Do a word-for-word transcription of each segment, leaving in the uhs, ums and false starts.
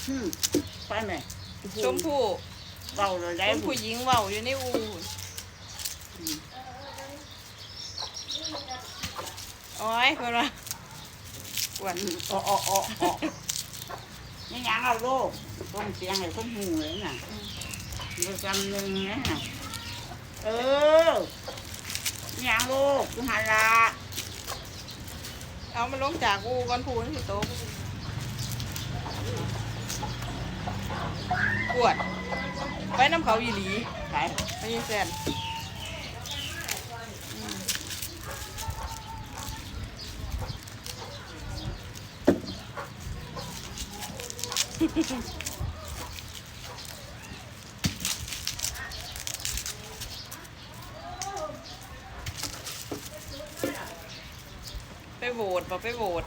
ไปไหมชมพู่เบาเลยได้คนผู้หญิงเว้าอยู่ในอูโอ้ยเพิ่นว่าปวดอ๋ออ๋ออ๋ออ๋อนี่ยังเอาลูกต้องเสียงให้คนหูเลยน่ะประจำหนึ่งนะเออนี่ยังลูกคุณฮาราเอามาลงจากอูก่อนพูนสิโตปวดไปน้ำเขาอีหลีไปไปยิงแซนไปโหวตบอกไปโหวต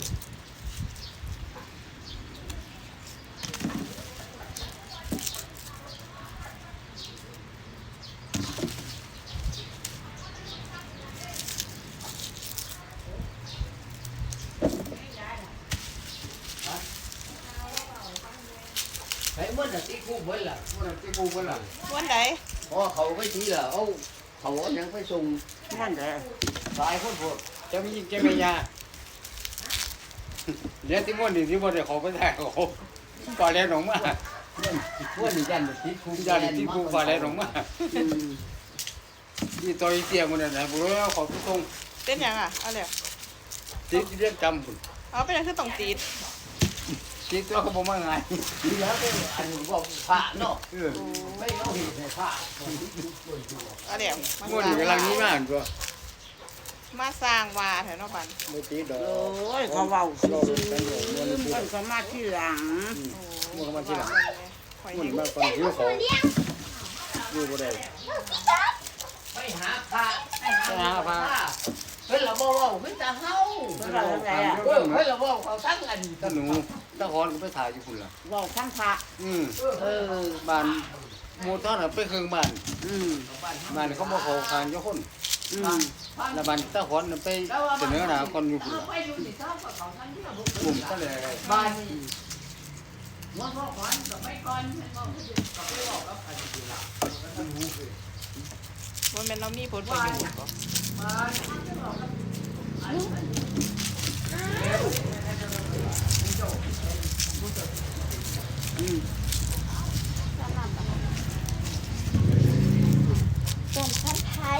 ไอ้เมื่อน่ะที่กูเบิ้ลล่ะเมื่อน่ะที่กูเบิ้ลล่ะวันไหนพอเขาไปทีละเอาเขาเอายังไปส่งนั่นแหละหลายคนพวกจะมีจะไม่ยาเดี๋ยวที่ม้วนนี่ที่ม้วนเดี๋ยวเขาไปถ่ายเขาก่อนแล้วหนองมาม้วนนี่ยันที่กูยันที่กูก่อนแล้วหนองมาที่ต่อยเสียมันน่ะบุรุษเขาไปส่งเต้นยังอ่ะเอาเลยติดเรียกจำคุณเอาไปยังคือต้องตีดติดตัวเขาบอกว่าไงทีแล้วก็อันบอกพระเนาะไม่เอาหินในพระเอาเดี๋ยวม้วนนี่กำลังนี้มากตัวมาสร้างวาแถวนาบันไม่ตีดอกโอ้ยเขาเบาซื้อมันก็มาที่หลังมันก็มาที่หลังมันมาก่อนหิวเขาอยู่บ่ได้ไปหาพระไปหาพระเฮ้ยเราบอกว่าเฮ้ยจะเฮาเฮ้ยเราบอกเขาตั้งอันตะหนูตะคอนก็ไปถ่ายอยู่คุณล่ะบอกทั้งพระอืมเออบ้านหมู่ต้อนไปเครื่องบ้านอืมบ้านเขาบ่เขาคานยกคนอืมแล้วบ้านตะคอนไปเสนอหน้าคนอยู่คุณล่ะกลุ่มก็เลยบ้านหัวพ่อขวัญกับไปก่อนมันก็ไปบอกกับใครสิล่ะมันหูคือมันเป็นเรามีผลประโยชน์บ่ต้มพันไทย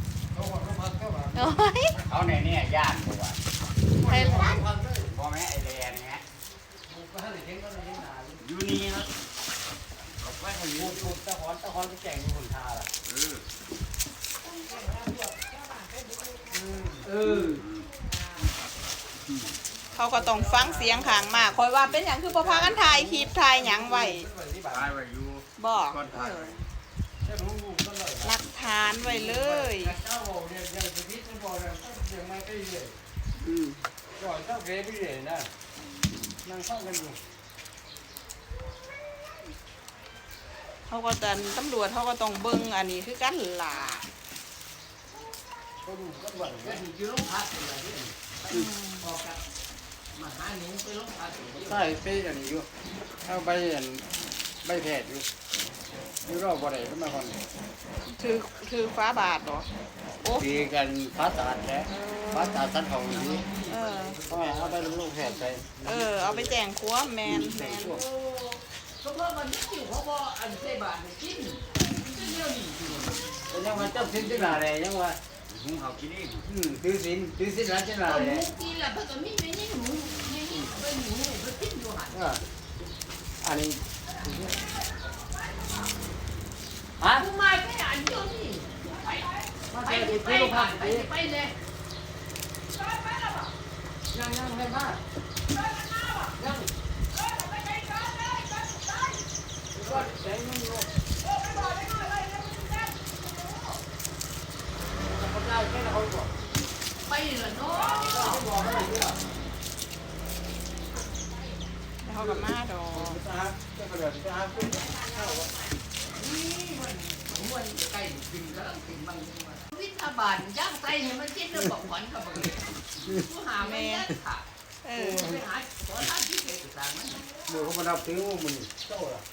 เขาในนี่ย่านบ่ว่าไทยร้านพ่อแม่ไอแลนเงี้ยอยู่นี่นะไว้ให้อยู่ถูกตะคอนตะคอนไปแข่งอยู่คนท่าล่ะเออเออเขาก็ต้องฟังเสียงข้างมากคอยว่าเป็นอย่างคือบ่พากันถ่ายคลิปถ่ายหยังไว้บอกหลักฐานไว้เลยอืมก่อนเจ้าเกไปเรื่อยนะนั่งฟังกันอยู่เขาก็จะตำรวจเขาก็ต้องเบิ่งอันนี้คือกันล่ะก็ดูก็หวังว่าอยู่โรงพักอะไรนี่ออกจากมาหาหนูไปโรงพักใช่ไปอันนี้อยู่เอาใบอันใบแพทย์อยู่อยู่รอบบ่ได้ขึ้นมาก่อนถือถือฟ้าบาทเหรอโอ้ดีกันฟ้าตาดแท้ฟ้าตาดสันของนี้เออต้องเอาไปโรงแพทย์ใส่เออเอาไปแจ้งความแมนแมนเพราะว่ามันไม่อยู่เพราะว่าอันเสบาทกินยังว่าเจ้าสินที่ไหนยังว่าหุงเขากินเองอืมถือสินถือสินแล้วที่ไหนเลยกินแล้วเพราะตัวมีไม่ยิ่งหนูยิ่งไปหนูไปกินอยู่หันอันนี้ฮะทำไมไม่อ่านอยู่นี่ไปไปไปไปไปเลยยังยังไม่มายังก็แจ้งมึงอยู่ไปเลยเนาะแล้วเขากับมาดอกวิทาบาลย่างไส้เนี่ยมันคิดเรื่องบอกขวัญกับมึงผู้หาแม่ค่ะเออไปหาขอท่านที่เด็กมือเขามาดับถึงมันเจ้าล่ะ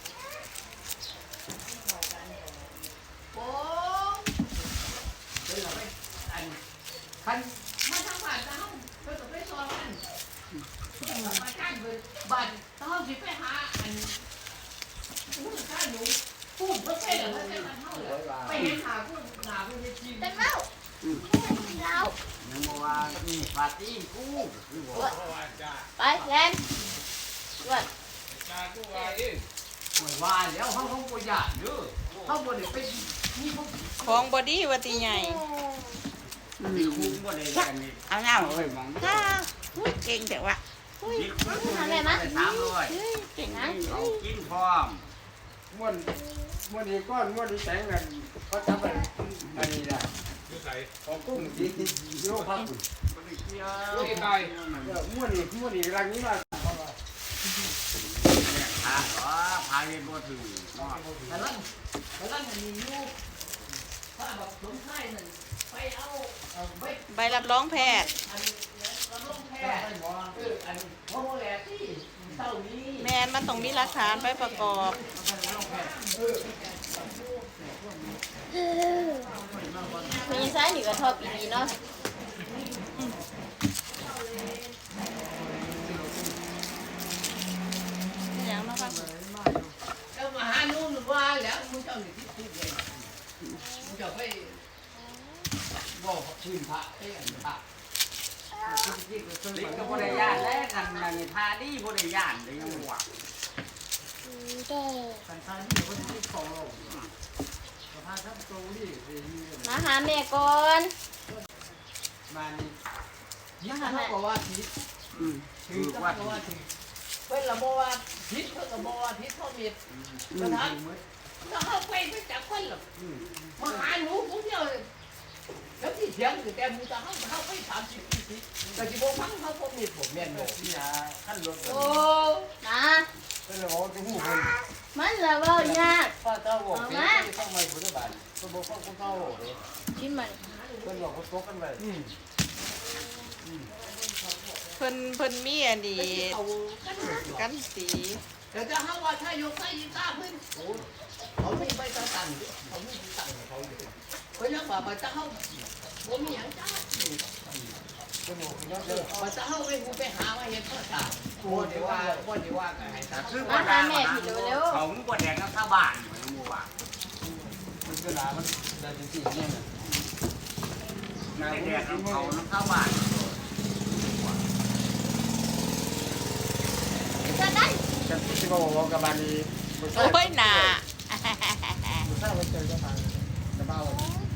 โอ้เฮ้ยเราไปอันคันมาทางบ้านเฮาเพิ่นก็ไปซอยกันมาจ้างเพิ่นบ้านเฮาสิไปหาอันผู้ค้าหนูพูดบ่ใช่เหรอว่าใช่มันเฮาเหรอไปเห็นหาผู้หาผู้เฮ็ดทีมเป็นเล่าเรายังบอกว่านี่ปาร์ตี้กูคือบอกไปแลนวัดว่าแล้วเฮาเฮาบ่อยากเด้อเฮาบ่ได้ไปมีพวกของบอดี้วัติใหญ่มีคุ้มบ่ได้กันนี่เอาหน้าเอาไปมองฮ่าอุ้ยเก่งแต่ว่ามีคุ้มทำไงมะสามร้อยเก่งนะนะเอากินพร้อมม้วนม้วนอีก้อนม้วนอีแสงกันเขาจับไปอันนี้นะของกุ้งที่ที่โลพักม้วนอีม้วนอีรังนี้มาเนี่ยขาอ๋อพายเป็นบ่ถือกำลังกำลังอันนี้อยู่ถ้าแบบสมชายนั่นไปเอาเอาไปใบรับรองแพทย์อันกำลังแพ้เอออันโมโหแลที่เท่านี้แมนมันต้องมีหลักฐานไปประกอบมีซ้ายหนึ่งกระทบอีกเนาะอย่างเนาะค่ะแล้วมาหานู่นว่าแล้วมึงเจ้าหนึ่งที่พูดเลยมึงจะไปบอกชื่นพระเอ้ยอันพระลิงก็บ่ได้ย่านแล้วกันนั่นพาดีบ่ได้ย่านเลยยังว่ากันทานที่คนที่ขอเราพาทับโตนี่มาหาแม่ก่อนมานี่ยิ่งเขาบอกว่าทิศอืมถืคือ อว่าว่าเขาว่าทิศเพื่อนเราบอกว่าทิศเพื่อนเราบอกว่าทิศเขามีกระทั่งเราเข้าไปไม่จับคนหรอกมาหาหนูผมเดียวแล้วที่เถียงคือแต่มึงจะเข้าเข้าไปสามสิบสี่สิบแต่ที่ผมฟังเขาผมมีผมแม่นบอกนี่ฮะขั้นรถโอ้นะก็เลยบอกจะหูคนมันละเว้ายากป้าเจ้าบอกเจ๊ต้องไม่พุทธบาลก็บอกว่าคุณเจ้าบอกเลยกินมันเพื่อนบอกเขาตกกันไปเพิ่นเพิ่นมีอันนี้เอากันนะกันสีแต่จะหาว่าถ้ายกใส่ยีตาเพิ่นโอ้เขาไม่ไปตั้งตังเขาไม่ตั้งเขาอยู่เพราะยังว่าไปจะเขาผมมีอย่างจ้าก็บอกว่าเจอว่าจะเขาไปกูไปหามาเห็นพ่อตาโอ้เดี๋ยวว่าพ่อเดี๋ยวว่ากันให้ตาคือว่าเขาก็แดงกับข้าวบ้านเหมือนหมู่บ้านมันก็หลามันได้จริงๆเนี่ยนะแดงกับเขาน้ำข้าวบ้านจะได้จะที่เขาบอกกับบานีโอ้ยหนามันถ้ามันเจอจะทางจะเบ้า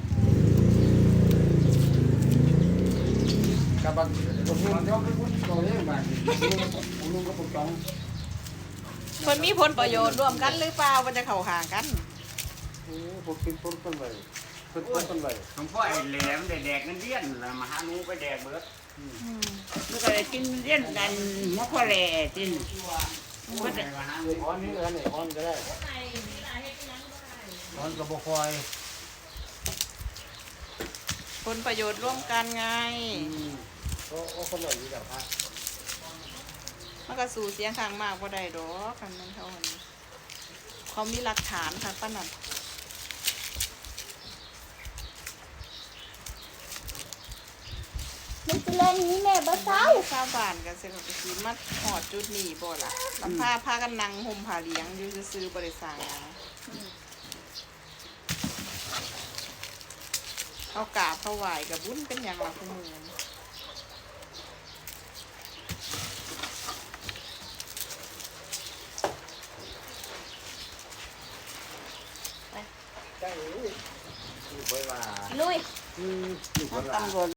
กับบางคนนุ่งยกคนโตเองบ้านนุ่งนุ่งก็ปกป้องเพิ่นมีผลประโยชน์ร่วมกันหรือเปล่ามันจะเข้าห่างกันโอ้พวกกินพวกต้นใบต้นต้นใบหลวงพ่อไอ้แหลมได้แดกเงินเลี้ยนแล้วมาหาหนูไปแดกเบิดมันก็เลยกินเลี้ยนกันมะพร้าวแหล่กินมันได้มาหาหนูอ้อนนี่เออเนี่ยอ้อนก็ได้อ้อนกระบอกคอยผลประโยชน์ร่วมกันไงก็ก็คนหน่อยอยู่แบบพระมันก็สู่เสียงข้างมากบ่ได้ดอกกันมันเท่านี้เขามีหลักฐานค่ะป้านั่นมันจะเล่นนี้แม่บ่เศร้าชาวบ้านกันเสร็จก็สิมาหอดจุดนี้บ่ล่ะลำพาพากันนั่งห่มผ้าเหลียงอยู่ซื่อๆบ่ได้สร้างหยังเขากราบเขาไหว้กับบุญเป็นอย่างละคู่มือใช่อยู่ไปว่าลุยอืมอยู่ไปว่าตำรวจ